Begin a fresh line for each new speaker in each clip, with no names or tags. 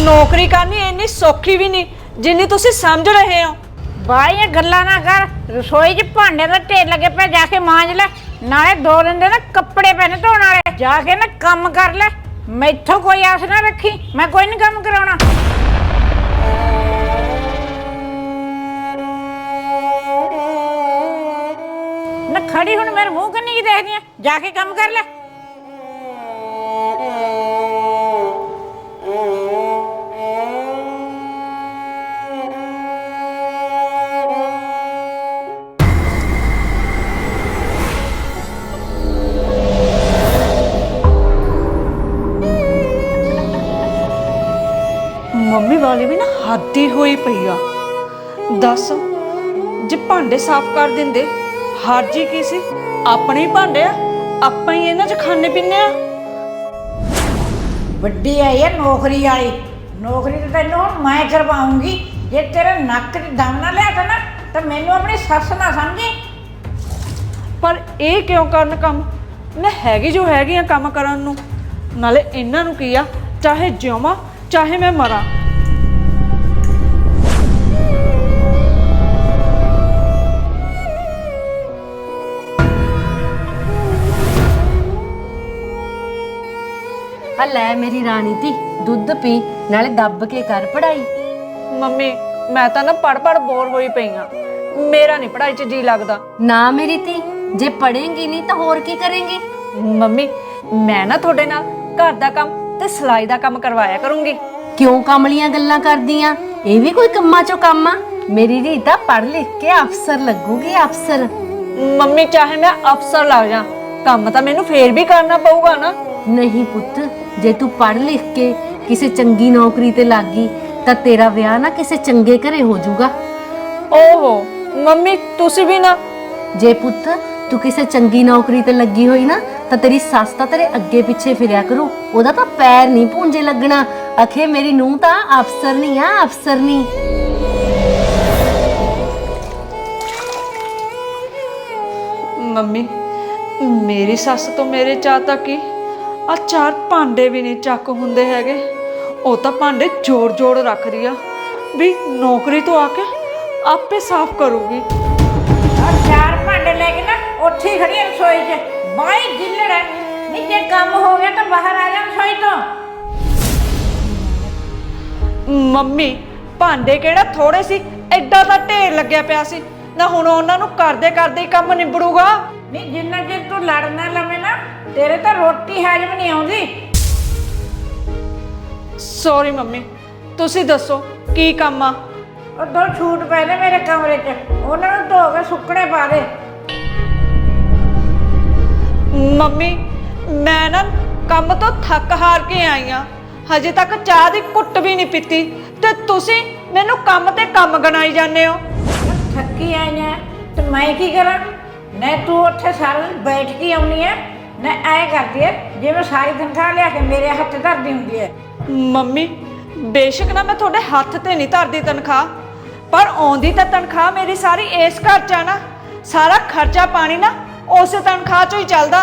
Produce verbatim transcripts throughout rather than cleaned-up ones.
नौकरी करनी इन्नी सौखी भी नहीं जिन्नी तुसी समझ रहे हो।
भाई ये गल्ला ना कर, रसोई च भांडे दा ढेर लगे पे, जाके मांज ले। नाले दो दिन दे ना कपड़े पहने धोने वाले, जाके ना काम कर ले। मैथों कोई आस ना रखी, मैं कोई नहीं काम कराउणा। ना खड़ी हुण मेरे मुंह कन्नी की देखदी है, जाके काम कर ले।
मम्मी वाली भी ना हद ही हुई पई आ। दस जे भांडे साफ कर देंदे हर्जी की सी, अपने ही भांडे आ, आपां ही इन्हां च खाने पीने आ।
ਵੱਡੀ ਆਈ ਹੈ ਨੌਕਰੀ ਵਾਲੀ, ਨੌਕਰੀ ਤੇ ਤੈਨੂੰ ਹੁਣ ਮੈਂ ਕਰਵਾਉਂਗੀ। ਜੇ ਤੇਰੇ ਨੱਕ 'ਚ ਦਮ ਨਾ ਲਿਆ ਤਾ ਨਾ ਤਾਂ ਮੈਨੂੰ ਆਪਣੀ ਸੱਸ ਨਾ ਸਮਝੀ।
पर ਇਹ ਕਿਉਂ ਕਰਨ ਕੰਮ, ਮੈਂ ਹੈਗੀ ਜੋ ਹੈਗੀ ਆ ਕੰਮ ਕਰਨ ਨੂੰ। ਨਾਲੇ ਇਹਨਾਂ ਨੂੰ ਕੀ ਆ, ਚਾਹੇ ਜਿਉਵਾਂ ਚਾਹੇ ਮੈਂ ਮਰਾਂ।
आ लै मेरी रानी धी दुध पी, नाले दब के कर पढ़ाई।
ਮੰਮੀ ਮੈਂ ਤਾਂ ਨਾ ਪੜ ਪੜ ਬੋਰ ਹੋਈ ਪਈ ਆ, ਮੇਰਾ ਨਹੀਂ ਪੜਾਈ 'ਚ ਜੀ ਲੱਗਦਾ।
ना मेरी धी जे पढ़ेंगी नहीं तो होर की करेंगी।
ਮੰਮੀ ਮੈਂ ਨਾ ਤੁਹਾਡੇ ਨਾਲ ਘਰ ਦਾ ਕੰਮ ਤੇ ਸਿਲਾਈ ਦਾ ਕੰਮ ਕਰਵਾਇਆ ਕਰੂੰਗੀ।
क्यों कमलियां गल्लां करदियां, ये भी कोई कम्मा चो काम आ। मेरी धी तां पढ़ लिख के अफसर लगूगी, अफसर।
ਮੰਮੀ ਚਾਹੇ ਮੈਂ ਅਫਸਰ ਲੱਗ ਜਾ, ਕੰਮ ਤਾਂ ਮੈਨੂੰ ਫੇਰ ਵੀ ਕਰਨਾ ਪਊਗਾ ਨਾ।
नहीं पुत, जे तू पढ़ लिख के किसी चंगी नौकरी ते लग गई तां तेरा विआह ना किसी चंगे घरे हो जाऊगा।
ਓਹੋ ਮੰਮੀ ਤੁਸੀਂ ਵੀ ਨਾ।
जे पुत तू किसी चंगी नौकरी ते लगी हुई ना तां तेरी सस तां तेरे अगे पिछे फिरया करू, ओदा तां पैर नहीं भूंजे लगना। आखे मेरी नूंह तां अफसर नहीं आ, अफसर नहीं।
ਮੰਮੀ ਮੇਰੀ ਸੱਸ ਤੋਂ ਮੇਰੇ ਚਾਹ ਤੱਕ ਹੀ ਆ ਚਾਰ ਭਾਂਡੇ ਵੀ ਨਹੀਂ ਚੱਕ ਹੁੰਦੇ ਹੈਗੇ। ਉਹ ਤਾਂ ਭਾਂਡੇ ਜੋੜ ਜੋੜ ਰੱਖ ਰਹੀ ਆ ਵੀ ਨੌਕਰੀ ਤੋਂ ਆ ਕੇ ਆਪੇ ਸਾਫ਼ ਕਰੂਗੀ।
ਆ ਚਾਰ ਭਾਂਡੇ ਲੈ ਕੇ ਨਾ ਉੱਥੇ ਹੀ ਖੜੀ ਆ ਰਸੋਈ 'ਚ, ਬਾਈ ਗਿੱਲੜ ਹੈ। ਨਹੀਂ ਜੇ ਕੰਮ ਹੋ ਗਿਆ ਤਾਂ ਬਾਹਰ ਆ ਜਾ ਰਸੋਈ ਤੋਂ।
ਮੰਮੀ ਭਾਂਡੇ ਕਿਹੜਾ ਥੋੜੇ ਸੀ, ਐਡਾ ਤਾਂ ਢੇਰ ਲੱਗਿਆ ਪਿਆ ਸੀ ਨਾ। ਹੁਣ ਉਹਨਾਂ ਨੂੰ ਕਰਦੇ ਕਰਦੇ ਹੀ ਕੰਮ ਨਿਬੜੂਗਾ।
ਨਹੀਂ ਜਿੰਨਾ ਚਿਰ ਤੂੰ ਲੜ ਨਾ ਲਵੇਂ ਨਾ ਤੇਰੇ ਤਾਂ ਰੋਟੀ ਹਜਮ ਨਹੀਂ ਆਉਂਦੀ।
ਸੌਰੀ ਮੰਮੀ, ਤੁਸੀਂ ਦੱਸੋ ਕੀ ਕੰਮ ਆ?
ਉਹ ਦੋ ਛੂਟ ਪਏ ਨੇ ਮੇਰੇ ਕਮਰੇ 'ਚ, ਉਹਨਾਂ ਨੂੰ ਧੋ ਕੇ ਸੁੱਕਣੇ ਪਾ ਦੇ।
ਮੰਮੀ ਮੈਂ ਨਾ ਕੰਮ ਤੋਂ ਥੱਕ ਹਾਰ ਕੇ ਆਈ ਆ, ਹਜੇ ਤੱਕ ਚਾਹ ਦੀ ਘੁੱਟ ਵੀ ਨਹੀਂ ਪੀਤੀ ਤੇ ਤੁਸੀਂ ਮੈਨੂੰ ਕੰਮ ਤੇ ਕੰਮ ਗਣਾਈ ਜਾਂਦੇ ਹੋ।
ਥੱਕੀ ਆਈ ਐ ਤੇ ਮੈਂ ਕੀ ਕਰਾਂ? ਨਾ ਤੂੰ ਉੱਥੇ ਸਾਰਾ ਦਿਨ ਬੈਠ ਕੇ ਆਉਣੀ ਐ, ਨਾ ਐ ਕਰਦੀ ਐ ਜਿਵੇਂ ਸਾਰੀ ਤਨਖਾਹ ਲਿਆ ਕੇ ਮੇਰੇ ਹੱਥ ਧਰਦੀ ਹੁੰਦੀ ਐ।
ਮੰਮੀ ਬੇਸ਼ੱਕ ਨਾ ਮੈਂ ਤੁਹਾਡੇ ਹੱਥ ਤੇ ਨਹੀਂ ਧਰਦੀ ਤਨਖਾਹ, ਪਰ ਆਉਂਦੀ ਤਾਂ ਤਨਖਾਹ ਮੇਰੀ ਸਾਰੀ ਇਸ ਘਰ 'ਚ ਆ ਨਾ। ਸਾਰਾ ਖਰਚਾ ਪਾਣੀ ਨਾ ਉਸੇ ਤਨਖਾਹ 'ਚੋਂ ਹੀ ਚੱਲਦਾ।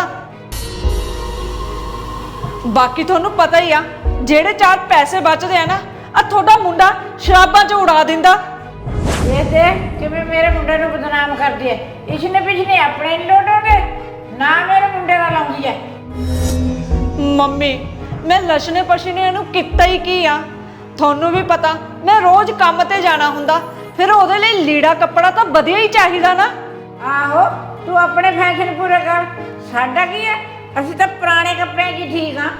ਬਾਕੀ ਤੁਹਾਨੂੰ ਪਤਾ ਹੀ ਆ, ਜਿਹੜੇ ਚਾਰ ਪੈਸੇ ਬਚਦੇ ਆ ਨਾ ਆ ਤੁਹਾਡਾ ਮੁੰਡਾ ਸ਼ਰਾਬਾਂ 'ਚ ਉਡਾ ਦਿੰਦਾ।
ਇਹ ਦੇਖ ਕਿਵੇਂ ਮੇਰੇ ਮੁੰਡੇ ਨੂੰ ਬਦਨਾਮ ਕਰਦੀ ਐ। ਇਸਨੇ ਪਿਛਨੇ ਆਪਣੇ ਨਹੀਂ ਲੋਟੋਗੇ ਨਾ ਮੇਰੇ ਮੁੰਡੇ ਦਾ ਲਾਉਂਦੀ ਐ।
ਮੰਮੀ ਮੈਂ ਲਸ਼ਨੇ ਪਸ਼ਨੇ ਨੂੰ ਕੀਤਾ ਹੀ ਕੀ ਆ, ਤੁਹਾਨੂੰ ਵੀ ਪਤਾ ਮੈਂ ਰੋਜ਼ ਕੰਮ ਤੇ ਜਾਣਾ ਹੁੰਦਾ, ਫਿਰ ਉਹਦੇ ਲਈ ਲੀੜਾ ਕੱਪੜਾ ਤਾਂ ਵਧੀਆ ਹੀ ਚਾਹੀਦਾ ਨਾ।
ਆਹੋ ਤੂੰ ਆਪਣੇ ਫੈਸ਼ਨ ਪੂਰੇ ਕਰ, ਸਾਡਾ ਕੀ ਐ? ਅਸੀਂ ਤਾਂ ਪੁਰਾਣੇ ਕੱਪੜਿਆਂ 'ਚ ਠੀਕ ਆ।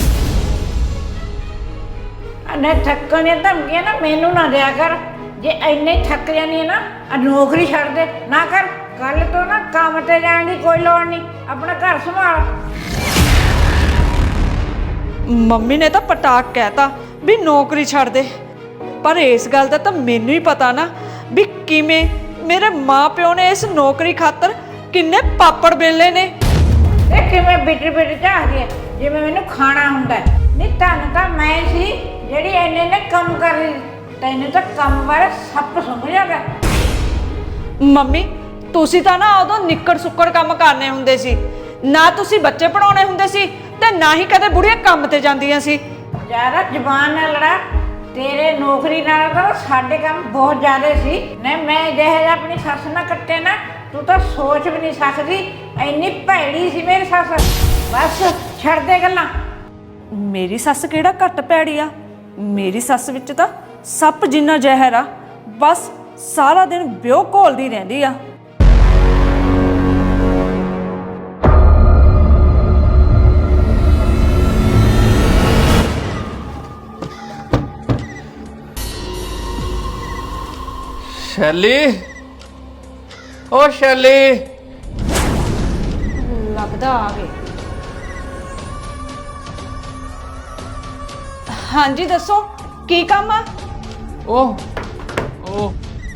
ਅਨੇ ਥੱਕਣ ਦੀਆਂ ਧਮਕੀਆਂ ਨਾ ਮੈਨੂੰ ਨਾ ਦਿਆ ਕਰ। ਜੇ ਇੰਨੇ ਥੱਕ ਜਾਨੀ ਹੈ ਨਾ ਆ ਨੌਕਰੀ ਛੱਡ ਦੇ, ਨਾ ਕਰ। ਕੱਲ ਤੋਂ ਨਾ ਕੰਮ ਤੇ ਜਾਣ ਦੀ ਕੋਈ ਲੋੜ ਨਹੀਂ, ਆਪਣਾ ਘਰ ਸੰਭਾਲ।
ਮੰਮੀ ਨੇ ਤਾਂ ਪਟਾਕ ਕਹਿਤਾ ਵੀ ਨੌਕਰੀ ਛੱਡ ਦੇ, ਪਰ ਇਸ ਗੱਲ ਦਾ ਤਾਂ ਮੈਨੂੰ ਹੀ ਪਤਾ ਨਾ ਵੀ ਕਿਵੇਂ ਮੇਰੇ ਮਾਂ ਪਿਓ ਨੇ ਇਸ ਨੌਕਰੀ ਖਾਤਰ ਕਿੰਨੇ ਪਾਪੜ ਵੇਲੇ ਨੇ।
ਇਹ ਕਿਵੇਂ ਬਿਟਰ ਬਿਟਰ ਝਾਕਦੀ ਹੈ ਜਿਵੇਂ ਮੈਨੂੰ ਖਾਣਾ ਹੁੰਦਾ। ਨਹੀਂ ਤੁਹਾਨੂੰ ਤਾਂ ਮੈਂ ਸੀ ਜਿਹੜੀ ਇੰਨੇ ਨੇ ਕੰਮ ਕਰ ਰਹੀ, ਤੈਨੂੰ ਤਾਂ ਕੰਮ ਬਾਰੇ ਸਭ ਸਮਝ ਆ ਗਿਆ।
ਮੰਮੀ ਤੁਸੀਂ ਤਾਂ ਨਾ ਉਦੋਂ ਨਿੱਕੜ ਸੁੱਕੜ ਕੰਮ ਕਰਨੇ ਹੁੰਦੇ ਸੀ, ਨਾ ਤੁਸੀਂ ਬੱਚੇ ਪੜਾਉਣੇ ਹੁੰਦੇ ਸੀ ਤੇ ਨਾ ਹੀ ਕਦੇ ਬੁੜੀਆਂ ਕੰਮ ਤੇ ਜਾਂਦੀਆਂ ਸੀ।
ਜ਼ਿਆਦਾ ਜ਼ਬਾਨ ਨਾਲ ਲੜਾ ਤੇਰੇ ਨੌਕਰੀ ਨਾਲ ਤਾਂ ਸਾਡੇ ਕੰਮ ਬਹੁਤ ਜ਼ਿਆਦਾ ਸੀ ਨੇ ਮੈਂ ਜਿਹੇ ਆਪਣੀ ਸੱਸ ਨਾਲ ਕੱਟੇ ਨਾ ਤੂੰ ਤਾਂ ਸੋਚ ਵੀ ਨਹੀਂ ਸਕਦੀ ਇੰਨੀ ਭੈੜੀ ਸੀ ਮੇਰੀ ਸੱਸ। ਬਸ ਛੱਡ ਦੇ ਗੱਲਾਂ।
ਮੇਰੀ ਸੱਸ ਕਿਹੜਾ ਘੱਟ ਭੈੜੀ ਆ? ਮੇਰੀ ਸੱਸ ਵਿੱਚ ਤਾਂ ਸੱਪ ਜਿੰਨਾ ਜ਼ਹਿਰ ਆ। ਬਸ ਸਾਰਾ ਦਿਨ ਵਿਉ ਘੋਲਦੀ ਰਹਿੰਦੀ ਆ।
ਸ਼ੈਲੀ, ਓ ਸ਼ੈਲੀ,
ਲੱਗਦਾ ਆ ਗਏ। ਹਾਂਜੀ ਦੱਸੋ ਕੀ ਕੰਮ ਆ?
ਓ ਓ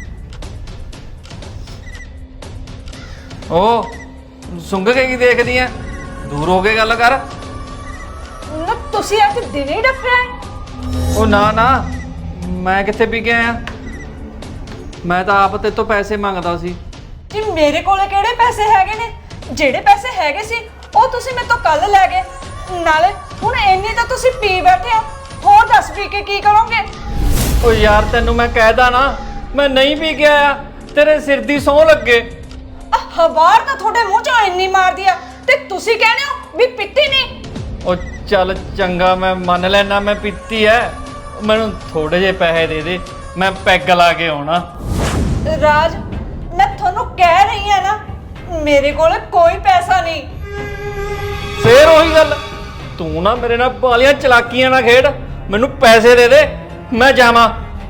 ਓ ਸੁੰਘ ਕੇ ਕੀ ਦੇਖਦੀ ਐ? ਦੂਰ ਹੋ ਕੇ ਗੱਲ ਕਰ।
ਨਾ ਤੁਸੀਂ ਅੱਜ ਦਿਨੇ ਹੀ ਡੱਫਿਆ ਹੈ?
ਉਹ ਨਾ ਨਾ, ਮੈਂ ਕਿੱਥੇ ਪੀ ਕੇ ਆਇਆ? ਮੈਂ ਤਾਂ ਆਪ ਤੇਰੇ ਤੋਂ ਪੈਸੇ ਮੰਗਦਾ ਸੀ।
ਜੀ ਮੇਰੇ ਕੋਲੇ ਕਿਹੜੇ ਪੈਸੇ ਹੈਗੇ ਨੇ? ਜਿਹੜੇ ਪੈਸੇ ਹੈਗੇ ਸੀ ਉਹ ਤੁਸੀਂ ਮੇਰੇ ਤੋਂ ਕੱਲ ਲੈ ਗਏ। ਨਾਲੇ ਹੁਣ ਇੰਨੀ ਤਾਂ ਤੁਸੀਂ ਪੀ ਬੈਠੇ ਹੋ, ਹੋਰ ਦੱਸ ਪੀ ਕੇ ਕੀ ਕਰੋਗੇ?
ਓ ਯਾਰ ਤੈਨੂੰ ਮੈਂ ਕਹਿਦਾ ਨਾ ਮੈਂ ਨਹੀਂ ਪੀ ਕੇ ਆਇਆ, ਤੇਰੇ ਸਿਰ ਦੀ ਸਹੁੰ ਲੱਗੇ।
ਆ ਹਵਾਰ ਤਾਂ ਤੁਹਾਡੇ ਮੂੰਹ ਚੋਂ ਇੰਨੀ ਮਾਰਦੀ ਆ ਤੇ ਤੁਸੀਂ ਕਹਿੰਦੇ ਹੋ ਵੀ ਪੀਤੀ ਨਹੀਂ।
ਓ ਚੱਲ ਚੰਗਾ, ਮੈਂ ਮੰਨ ਲੈਣਾ ਮੈਂ ਪੀਤੀ ਐ, ਮੈਨੂੰ ਥੋੜੇ ਜਿਹੇ ਪੈਸੇ ਦੇ ਦੇ, ਮੈਂ ਪੈਗ ਲਾ ਕੇ ਆਉਣਾ।
ਰਾਜ, ਮੈਂ ਤੁਹਾਨੂੰ ਕਹਿ ਰਹੀ ਆ ਨਾ ਮੇਰੇ ਕੋਲ ਕੋਈ ਪੈਸਾ ਨਹੀਂ।
ਫੇਰ ਉਹੀ ਗੱਲ, ਤੂੰ ਨਾ ਮੇਰੇ ਨਾਲ ਬਾਲੀਆਂ ਚਲਾਕੀਆਂ ਨਾ ਖੇਡ, ਮੈਨੂੰ ਪੈਸੇ ਦੇ ਦੇ, ਮੈਂ ਜਾਵਾਂ।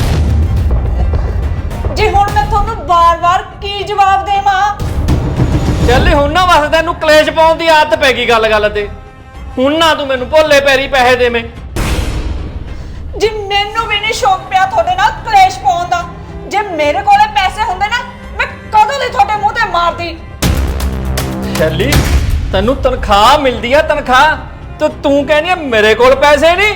ਜੀ ਹੁਣ ਮੈਂ ਤੁਹਾਨੂੰ ਵਾਰ-ਵਾਰ ਕੀ ਜਵਾਬ ਦੇਵਾਂ?
ਚੱਲ ਹੁਣ ਨਾ ਵਸ ਤੈਨੂੰ ਕਲੇਸ਼ ਪਾਉਣ ਦੀ ਆਦਤ ਪੈ ਗਈ ਗੱਲ ਗੱਲ ਤੇ। ਹੁਣ ਨਾ ਤੂੰ ਮੈਨੂੰ ਭੋਲੇ ਪੈਰੀ ਪੈਸੇ ਦੇਵੇਂ।
ਜੀ ਮੈਨੂੰ ਵੀ ਨਹੀਂ ਸ਼ੌਕ ਪਿਆ ਤੁਹਾਡੇ ਨਾਲ ਕਲੇਸ਼ ਪਾਉਣ ਦਾ। ਜੇ ਮੇਰੇ ਕੋਲੇ ਪੈਸੇ ਹੁੰਦੇ ਨਾ ਮੈਂ ਕਦੋਂ ਦੇ ਤੁਹਾਡੇ ਮੂੰਹ ਤੇ ਮਾਰਦੀ।
ਸ਼ੈਲੀ, ਤੈਨੂੰ ਤਨਖਾਹ ਮਿਲਦੀ ਆ ਤਨਖਾਹ, ਤੇ ਤੂੰ ਕਹਿੰਦੀ ਆ ਮੇਰੇ ਕੋਲ ਪੈਸੇ ਨਹੀਂ।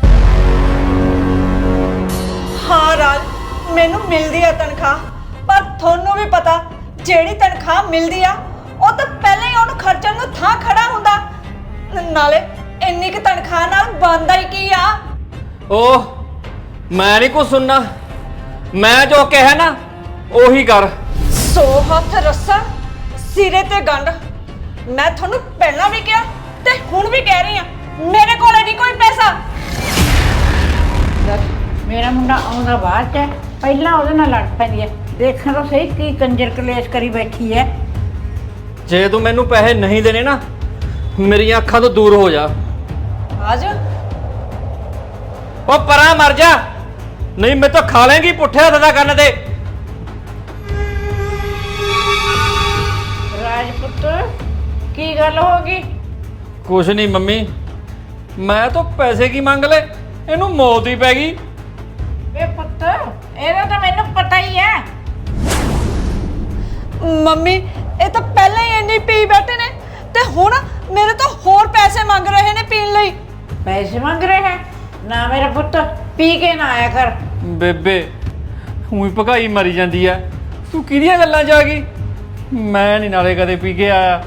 ਹਾਂ ਰਾਜ, ਮੈਨੂੰ ਮਿਲਦੀ ਆ ਤਨਖਾਹ, ਪਰ ਤੁਹਾਨੂੰ ਵੀ ਪਤਾ ਜਿਹੜੀ ਤਨਖਾਹ ਮਿਲਦੀ ਆ ਉਹ ਤਾਂ ਪਹਿਲਾਂ ਹੀ ਉਹਨੂੰ ਖਰਚਣ ਨੂੰ ਥਾਂ ਖੜਾ ਹੁੰਦਾ। ਨਾਲੇ ਇੰਨੀ ਕੁ ਤਨਖਾਹ ਨਾਲ ਬਣਦਾ ਹੀ ਕੀ ਆ?
ਓਹ ਮੈਂ ਨਹੀਂ ਕੁਛ ਸੁਣਨਾ, ਮੈਂ ਜੋ ਕਿਹਾ ਨਾ ਉਹੀ ਕਰ।
ਸੋ ਹੱਥ ਰੱਸਾ ਸਿਰੇ ਤੇ ਗੰਢ। ਮੈਂ ਤੁਹਾਨੂੰ ਪਹਿਲਾਂ ਵੀ ਕਿਹਾ ਤੇ ਹੁਣ ਵੀ ਕਹਿ ਰਹੀ ਆ, ਮੇਰੇ ਕੋਲ ਨਹੀਂ ਕੋਈ ਪੈਸਾ।
ਮੇਰਾ ਮੁੰਡਾ ਆਉਂਦਾ ਬਾਅਦ ਚ, ਪਹਿਲਾਂ ਉਹਦੇ ਨਾਲ ਲੜ ਪੈਂਦੀ ਹੈ। ਦੇਖਣ ਤਾਂ ਸਹੀ ਕੀ ਕੰਜਰ ਕਲੇਸ਼ ਕਰੀ ਬੈਠੀ ਹੈ।
ਜੇ ਤੂੰ ਮੈਨੂੰ ਪੈਸੇ ਨਹੀਂ ਦੇਣੇ ਨਾ ਮੇਰੀਆਂ ਅੱਖਾਂ ਤੋਂ ਦੂਰ ਹੋ ਜਾ।
ਰਾਜ,
ਉਹ ਪਰਾਂ ਮਰ ਜਾ, ਨਹੀਂ ਮੈਂ ਤਾਂ ਖਾ ਲੇਂਗੀ ਪੁੱਠੇ ਹੱਥ ਦਾ ਕੰਨ ਤੇ।
ਰਾਜਪੁੱਤ ਕੀ ਗੱਲ ਹੋ ਗਈ?
ਕੁਛ ਨਹੀਂ ਮੰਮੀ, ਮੈਂ ਤਾਂ ਪੈਸੇ ਕੀ ਮੰਗ ਲੈ, ਇਹਨੂੰ ਮੌਤ ਹੀ ਪੈ ਗਈ।
ਵੇ ਪੁੱਤ, ਇਹਦਾ ਤਾਂ ਮੈਨੂੰ ਪਤਾ ਹੀ ਹੈ।
ਮੰਮੀ ਇਹ ਤਾਂ ਪਹਿਲਾਂ ਹੀ ਇੰਨੀ ਪੀ ਬੈਠੇ ਨੇ ਤੇ ਹੁਣ ਮੇਰੇ ਤੋਂ ਹੋਰ ਪੈਸੇ ਮੰਗ ਰਹੇ ਨੇ ਪੀਣ ਲਈ।
ਪੈਸੇ ਮੰਗ ਰਹੇ ਹੈ? ਨਾ ਮੇਰਾ ਪੁੱਤ, ਪੀ ਕੇ ਨਾ ਆਇਆ ਕਰ।
ਬੇਬੇ ਉਹੀ ਭਗਾਈ ਮਰੀ ਜਾਂਦੀ ਐ, ਤੂੰ ਕਿਹਦੀਆਂ ਗੱਲਾਂ 'ਚ ਆ ਗਈ? ਮੈਂ ਨਹੀਂ ਨਾਲੇ ਕਦੇ ਪੀ ਕੇ ਆਇਆ।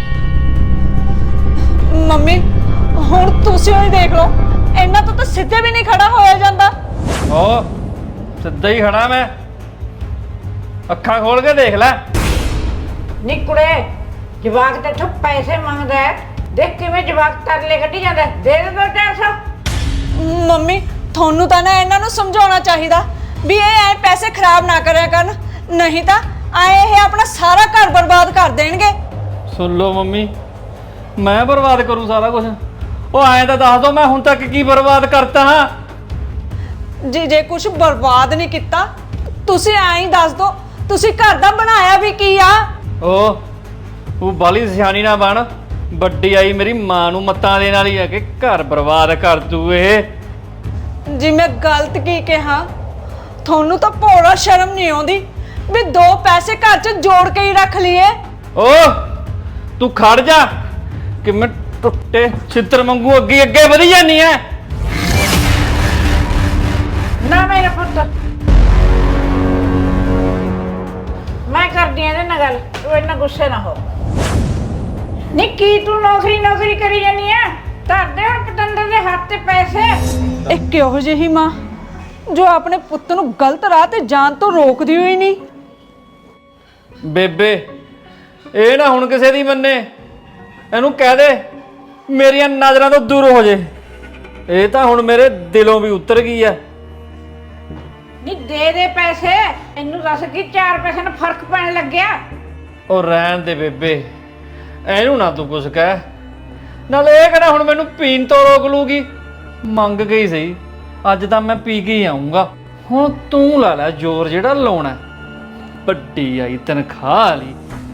ਮੰਮੀ ਹੁਣ ਤੁਸੀਂ ਹੀ ਦੇਖ ਲਓ, ਇਹਨਾਂ ਤੋਂ ਤਾਂ ਸਿੱਧੇ ਵੀ ਨਹੀਂ ਖੜਾ ਹੋਇਆ ਜਾਂਦਾ।
ਓ ਸਿੱਧਾ ਹੀ ਖੜਾ ਮੈਂ, ਅੱਖਾਂ ਖੋਲ ਕੇ ਦੇਖ ਲੈ।
ਨੀ ਕੁੜੇ, ਜਵਾਕ ਤੇਥੋਂ ਪੈਸੇ ਮੰਗਦਾ ਹੈ, ਦੇਖ ਕਿਵੇਂ ਜਵਾਕ ਤਰਲੇ ਕੱਢੀ ਜਾਂਦਾ। ਦੇ ਦੇ ਦੋ ਚਾਰ ਸੌ।
ਮੰਮੀ ਤੁਹਾਨੂੰ ਤਾਂ ਨਾ ਇਹਨਾਂ ਨੂੰ ਸਮਝਾਉਣਾ ਚਾਹੀਦਾ ਵੀ ਇਹ ਐ ਪੈਸੇ ਖਰਾਬ ਨਾ ਕਰਿਆ ਕਰਨ, ਨਹੀਂ ਤਾਂ ਆਏ ਇਹ ਆਪਣਾ ਸਾਰਾ ਘਰ ਬਰਬਾਦ ਕਰ ਦੇਣਗੇ।
ਸੁਣ ਲਓ ਮੰਮੀ, ਮੈਂ ਬਰਬਾਦ ਕਰੂ ਸਾਰਾ ਕੁਝ? ਉਹ ਐਂ ਤਾਂ ਦੱਸ ਦੋ ਮੈਂ ਹੁਣ ਤੱਕ ਕੀ ਬਰਬਾਦ ਕਰਤਾ ਹਾਂ?
ਜੀ ਜੇ ਕੁਝ ਬਰਬਾਦ ਨਹੀਂ ਕੀਤਾ ਤੁਸੀਂ ਐਂ ਹੀ ਦੱਸ ਦੋ, ਤੁਸੀਂ ਘਰ ਦਾ ਬਣਾਇਆ ਵੀ ਕੀ ਆ?
ਓ ਉਹ ਬਾਲੀ ਸਿਆਣੀ ਨਾ ਬਣ, ਵੱਡੀ ਆਈ ਮੇਰੀ ਮਾਂ ਨੂੰ ਮੱਤਾਂ ਦੇਣ ਵਾਲੀ ਆ ਕਿ ਘਰ ਬਰਬਾਦ ਕਰ ਦੂ ਇਹ।
ਜੀ ਮੈਂ ਗਲਤ ਕੀ ਕਿਹਾ? ਤੁਹਾਨੂੰ ਤਾਂ ਭੋਰਾ ਸ਼ਰਮ ਨਹੀਂ ਆਉਂਦੀ ਵੀ ਦੋ ਪੈਸੇ ਘਰ 'ਚ ਜੋੜ ਕੇ ਹੀ ਰੱਖ ਲਈਏ।
ਓ ਤੂੰ ਖੜ ਜਾ, ਕਿ ਮੈਂ ਟੁੱਟੇ ਛਿੱਤਰ ਵਾਂਗੂ ਅੱਗੇ ਅੱਗੇ ਵਧੀ ਜਾਨੀ ਐ।
ਨਾ ਮੇਰਾ ਪੁੱਤ, ਮੈਂ ਕਰਦੀ ਆ ਇਹਦੇ ਨਾਲ ਗੱਲ, ਤੂੰ ਇੰਨਾ ਗੁੱਸੇ ਨਾ ਹੋ। ਨੀ ਕੀ ਤੂੰ ਨੌਕਰੀ ਨੌਕਰੀ ਕਰੀ ਜਾਨੀ ਆ? ਧਰਦੇ ਹੁਣ ਪਤੰਦਰ ਦੇ ਹੱਥ ਤੇ ਪੈਸੇ।
ਇਹ ਕਿਹੋ ਜਿਹੀ ਮਾਂ ਜੋ ਆਪਣੇ ਪੁੱਤ ਨੂੰ ਗਲਤ ਰਾਹ ਤੇ ਜਾਣ ਤੋਂ ਰੋਕਦੀ ਹੋਈ ਨਹੀਂ।
ਬੇਬੇ ਇਹ ਨਾ ਹੁਣ ਕਿਸੇ ਦੀ ਮੰਨੇ, ਇਹਨੂੰ ਕਹਿ ਦੇ ਮੇਰੀਆਂ ਨਜ਼ਰਾਂ ਤੋਂ ਦੂਰ ਹੋ ਜੇ। ਇਹ ਤਾਂ ਹੁਣ ਮੇਰੇ ਦਿਲੋਂ ਵੀ ਉਤਰ ਗਈ ਆ।
ਨਹੀਂ ਦੇ ਦੇ ਪੈਸੇ, ਇਹਨੂੰ ਦੱਸ ਕੀ ਚਾਰ ਪੈਸੇ ਨਾਲ ਫਰਕ ਪੈਣ ਲੱਗਿਆ।
ਉਹ ਰਹਿਣ ਦੇ ਬੇਬੇ, ਇਹਨੂੰ ਨਾ ਤੂੰ ਕੁਛ ਕਹਿ। ਨਾਲ ਇਹ ਕਿਹੜਾ ਹੁਣ ਮੈਨੂੰ ਪੀਣ ਤੋਂ ਰੋਕ ਲੂਗੀ। ਮੰਗ ਗਈ ਸਹੀ, ਅੱਜ ਤਾਂ ਮੈਂ ਪੀ ਕੇ ਹੀ ਆਉਂਗਾ। ਹੁਣ ਤੂੰ ਲਾ ਲੈ ਜ਼ੋਰ ਜਿਹੜਾ ਲਾਉਣਾ। ਵੱਡੀ ਆਈ ਤਨਖਾਹ ਵਾਲੀ।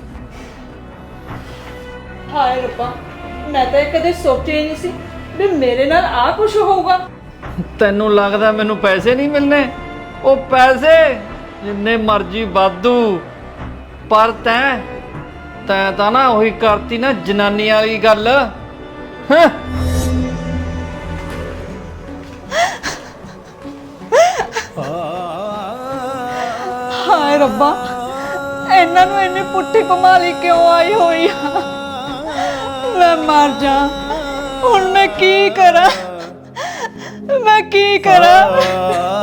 ਹਾਏ ਰੱਬਾ, ਮੈਂ ਤਾਂ ਇਹ ਕਦੇ ਸੋਚਿਆ ਹੀ ਨਹੀਂ ਸੀ ਵੀ ਮੇਰੇ ਨਾਲ ਆ ਕੁਝ ਹੋਊਗਾ।
ਤੈਨੂੰ ਲੱਗਦਾ ਮੈਨੂੰ ਪੈਸੇ ਨਹੀਂ ਮਿਲਨੇ? ਉਹ ਪੈਸੇ ਜਿੰਨੇ ਮਰਜ਼ੀ ਵਾਧੂ, ਪਰ ਤੈਂ ਤੈਂ ਤਾਂ ਨਾ ਉਹੀ ਕਰਤੀ ਨਾ ਜਨਾਨੀ ਵਾਲੀ ਗੱਲ। ਹਾਂ
ਹਾਏ ਰੱਬਾ, ਇਹਨਾਂ ਨੂੰ ਇੰਨੀ ਪੁੱਠੀ ਕਮਾਲੀ ਕਿਉਂ ਆਈ ਹੋਈ ਆ। ਮੈਂ ਮਰ ਜਾ, ਹੁਣ ਮੈਂ ਕੀ ਕਰਾਂ, ਮੈਂ ਕੀ ਕਰਾਂ।